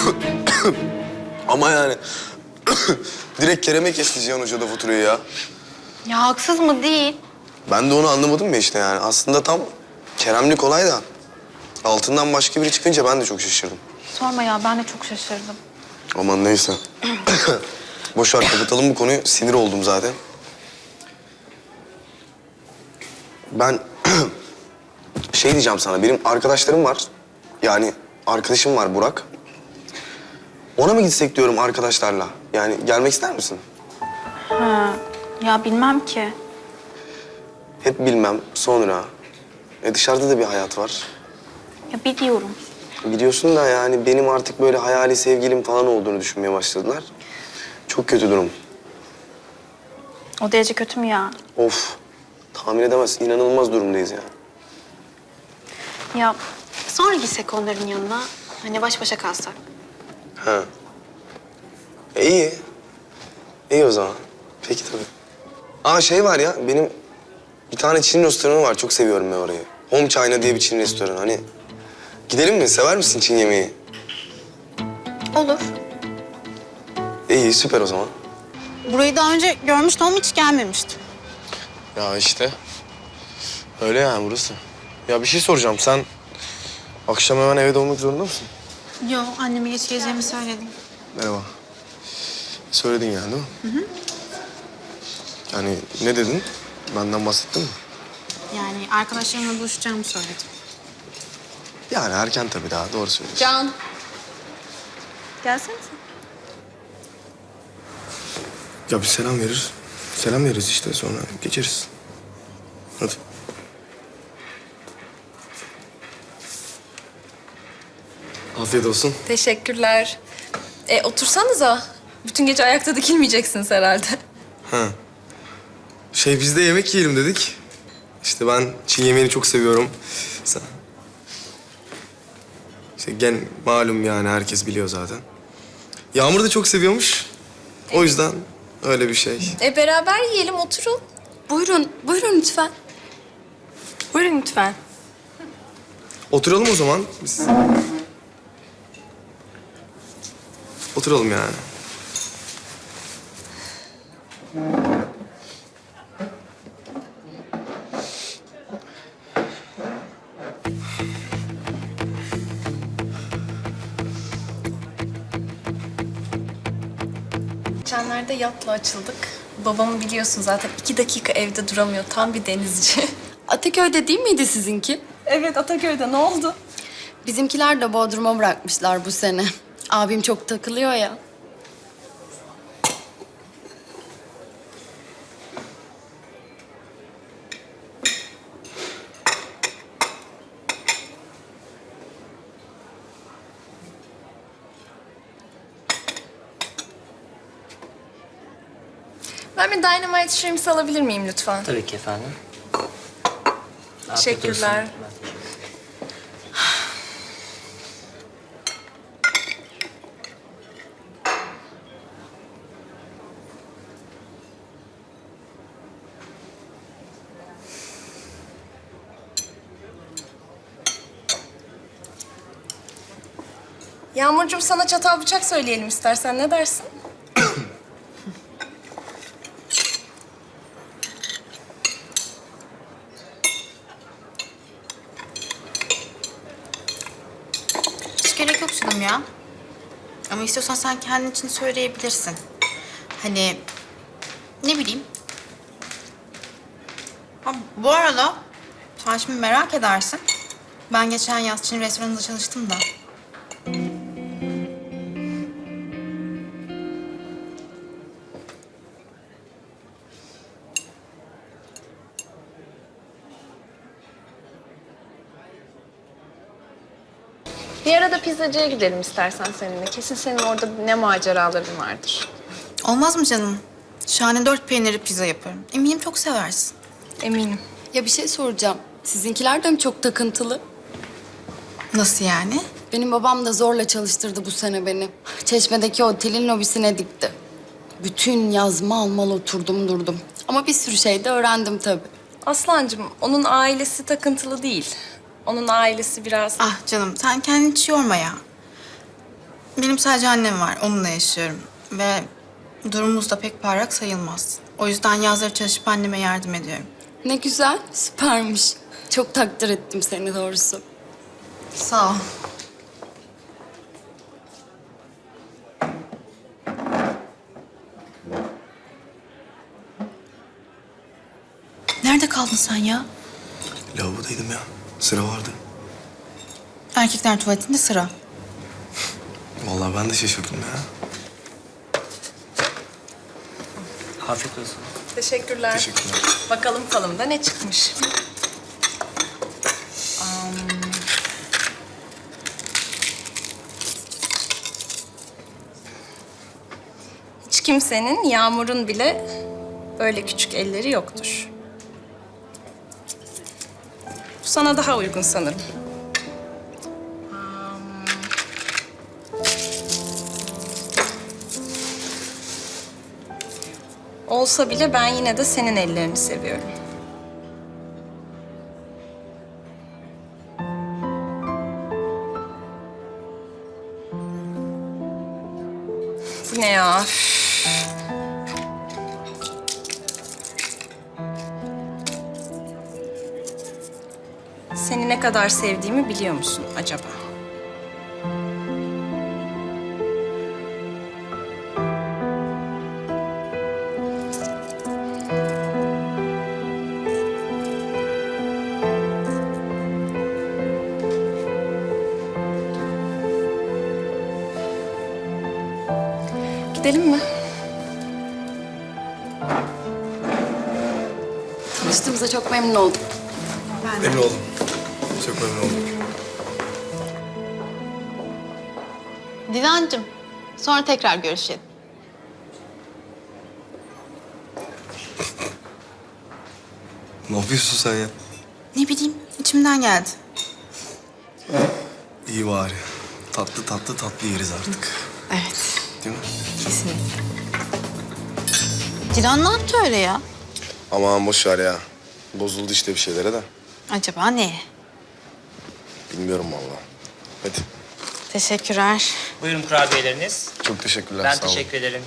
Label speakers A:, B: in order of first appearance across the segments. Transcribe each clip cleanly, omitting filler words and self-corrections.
A: Ama yani direkt Kerem'e kesti Cihan Hoca da faturayı ya.
B: Ya haksız mı? Değil.
A: Ben de onu anlamadım ya işte yani. Aslında tam Kerem'lik olay da altından başka biri çıkınca ben de çok şaşırdım.
B: Sorma ya, ben de çok şaşırdım.
A: Aman neyse. Boş ver, kapatalım bu konuyu. Sinir oldum zaten. Ben şey diyeceğim sana. Benim arkadaşlarım var. Yani arkadaşım var Burak. Ona mı gitsek diyorum arkadaşlarla. Yani gelmek ister misin?
B: Ha, ya bilmem ki.
A: Hep bilmem. Sonra. Dışarıda da bir hayat var.
B: Ya biliyorum.
A: Biliyorsun da yani benim artık böyle hayali sevgilim falan olduğunu düşünmeye başladılar. Çok kötü durum.
B: O derece kötü mü ya?
A: Of. Tahmin edemezsin. İnanılmaz durumdayız yani.
B: Ya sonra gitsek onların yanına. Hani baş başa kalsak.
A: Ha. İyi. İyi o zaman. Peki tabii. Aa şey var ya, benim bir tane Çin restoranı var. Çok seviyorum ben orayı. Home China diye bir Çin restoranı. Hani gidelim mi? Sever misin Çin yemeği?
B: Olur.
A: İyi, süper o zaman.
C: Burayı daha önce görmüştüm ama hiç gelmemiştim.
A: Ya işte. Öyle yani burası. Ya bir şey soracağım. Sen akşam hemen evde olmak zorunda mısın?
C: Yo, anneme geç geleceğimi söyledim.
A: Merhaba. Söyledin yani değil mi? Hı hı. Yani ne dedin? Benden bahsettin mi?
C: Yani arkadaşlarımla buluşacağımı söyledim.
A: Yani erken tabii daha. Doğru söylüyorsun.
C: Can. Gelsene sen.
A: Ya bir selam verir. Selam veririz işte sonra geçeriz. Hadi. Afiyet olsun.
D: Teşekkürler. Otursanıza. Bütün gece ayakta dikilmeyeceksiniz herhalde.
A: Ha. Biz de yemek yiyelim dedik. İşte ben Çin yemeğini çok seviyorum. Sen... İşte malum yani herkes biliyor zaten. Yağmur da çok seviyormuş. O yüzden öyle bir şey.
D: Beraber yiyelim, oturun. Buyurun, buyurun lütfen. Buyurun lütfen.
A: Oturalım o zaman biz. Oturalım yani.
D: Geçenlerde yatla açıldık. Babamı biliyorsun zaten 2 dakika evde duramıyor. Tam bir denizci.
E: Ataköy'de değil miydi sizinki?
D: Evet, Ataköy'de. Ne oldu?
E: Bizimkiler de Bodrum'a bırakmışlar bu sene. Abim çok takılıyor ya.
D: Ben bir Dynamite Shrimps alabilir miyim lütfen?
F: Tabii ki efendim. Afiyet
D: Teşekkürler.
F: olsun.
D: Yağmurcuğum, sana çatal bıçak söyleyelim istersen. Ne dersin?
C: Hiç gerek yok canım ya. Ama istiyorsan sen kendin için söyleyebilirsin. Hani ne bileyim. Ha, bu arada sen şimdi merak edersin. Ben geçen yaz Çin restoranında çalıştım da.
D: Bir ara da pizzacıya gidelim istersen seninle. Kesin senin orada ne maceraların vardır.
C: Olmaz mı canım? Şahane 4 peynirli pizza yaparım. Eminim çok seversin.
D: Eminim.
E: Ya bir şey soracağım. Sizinkiler de mi çok takıntılı?
C: Nasıl yani?
E: Benim babam da zorla çalıştırdı bu sene beni. Çeşme'deki otelin lobisine dikti. Bütün yaz mal mal oturdum durdum. Ama bir sürü şey de öğrendim tabii.
D: Aslancığım, onun ailesi takıntılı değil. Onun ailesi biraz...
C: Ah canım sen kendini hiç yorma ya. Benim sadece annem var. Onunla yaşıyorum. Ve durumumuz da pek parlak sayılmaz. O yüzden yazları çalışıp anneme yardım ediyorum.
E: Ne güzel, süpermiş. Çok takdir ettim seni doğrusu.
C: Sağ ol. Nerede kaldın sen ya?
A: Lavabodaydım ya. Sıra vardı.
C: Erkekler tuvaletinde sıra.
A: Vallahi ben de şaşırdım ya.
F: Afiyet olsun.
D: Teşekkürler.
A: Teşekkürler.
D: Bakalım falımda ne çıkmış. Hiç kimsenin, Yağmur'un bile böyle küçük elleri yoktur. Bu sana daha uygun sanırım. Olsa bile ben yine de senin ellerini seviyorum. Bu ne ya? Seni ne kadar sevdiğimi biliyor musun acaba? Gidelim mi?
E: Tanıştığımıza çok memnun oldum.
A: Memnun oldum. Çok memnun oldum.
B: Dilancığım, sonra tekrar görüşelim.
A: Ne yapıyorsun sen ya?
C: Ne bileyim, içimden geldi.
A: İyi bari. Tatlı tatlı tatlı yeriz artık.
C: Evet,
A: Değil mi?
C: kesinlikle. Dilan ne yaptı öyle ya?
A: Aman boş ver ya. Bozuldu işte bir şeylere de.
C: Acaba ne?
A: Bilmiyorum vallahi. Hadi.
C: Teşekkürler.
F: Buyurun kurabiyeleriniz.
A: Çok teşekkürler.
F: Ben
A: sağ olun.
F: teşekkür ederim.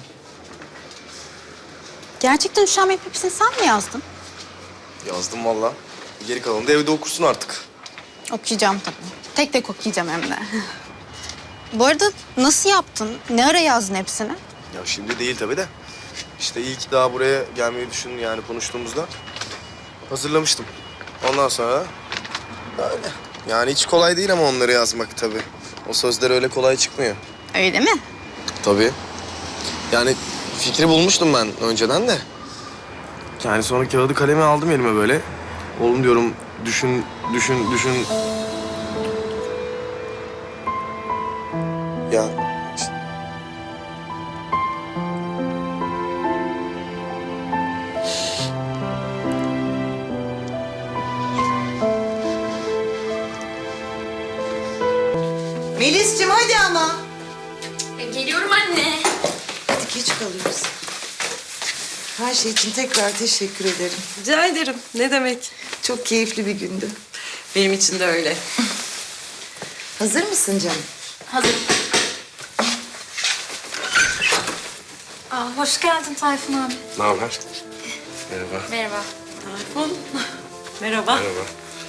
C: Gerçekten üşenmeyip hepsini sen mi yazdın?
A: Yazdım vallahi. Geri kalanını da evde okursun artık.
C: Okuyacağım tabii. Tek tek okuyacağım hem de. Bu arada nasıl yaptın? Ne ara yazdın hepsini?
A: Ya şimdi değil tabii de. İşte iyi ki daha buraya gelmeyi düşün yani konuştuğumuzda. Hazırlamıştım. Ondan sonra öyle. Yani hiç kolay değil ama onları yazmak tabii. O sözler öyle kolay çıkmıyor.
C: Öyle mi?
A: Tabii. Yani fikri bulmuştum ben önceden de. Yani sonra kağıdı kalemi aldım elime böyle. Oğlum diyorum düşün. Ya
G: Melis'cim hadi ama.
E: Geliyorum anne.
G: Hadi geç kalıyoruz. Her şey için tekrar teşekkür ederim.
H: Rica ederim. Ne demek?
G: Çok keyifli bir gündü.
H: Benim için de öyle.
G: Hazır mısın canım?
E: Hazır.
D: Hoş geldin Tayfun abi.
A: ne haber? Merhaba.
E: Merhaba.
H: Tayfun. Merhaba.
A: Merhaba.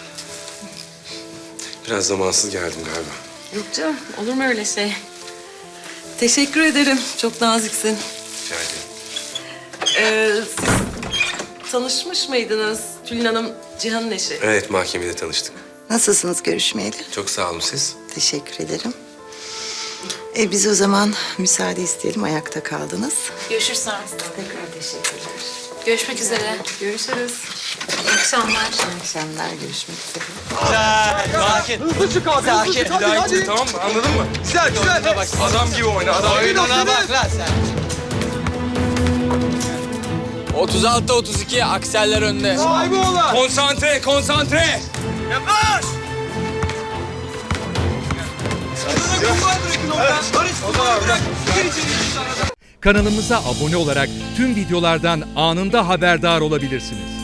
A: Biraz zamansız geldim galiba.
H: Yok canım. Olur mu öyle şey? Teşekkür ederim. Çok naziksin.
A: Rica ederim.
H: Siz tanışmış mıydınız Tülin Hanım, Cihan'ın eşi?
A: Evet mahkemede tanıştık.
G: Nasılsınız görüşmeyeli?
A: Çok sağ olun siz.
G: Teşekkür ederim. Biz o zaman müsaade isteyelim. Ayakta kaldınız.
E: Görüşürüz sonra.
G: Tekrar teşekkürler.
E: Görüşmek üzere.
H: Görüşürüz.
E: İyi akşamlar.
G: İyi akşamlar. Görüşmek üzere.
F: Sakin. Hızlı çık abi. Sakin.
A: Hadi. Tamam mı? Anladın mı? Güzel güzel. Bak, adam gibi oyna.
F: Oyununa bak lan sen. 36-32 akseller önde.
A: Sahibi olan.
F: Konsantre, konsantre. Yavaş.
I: Kanalımıza abone olarak tüm videolardan anında haberdar olabilirsiniz.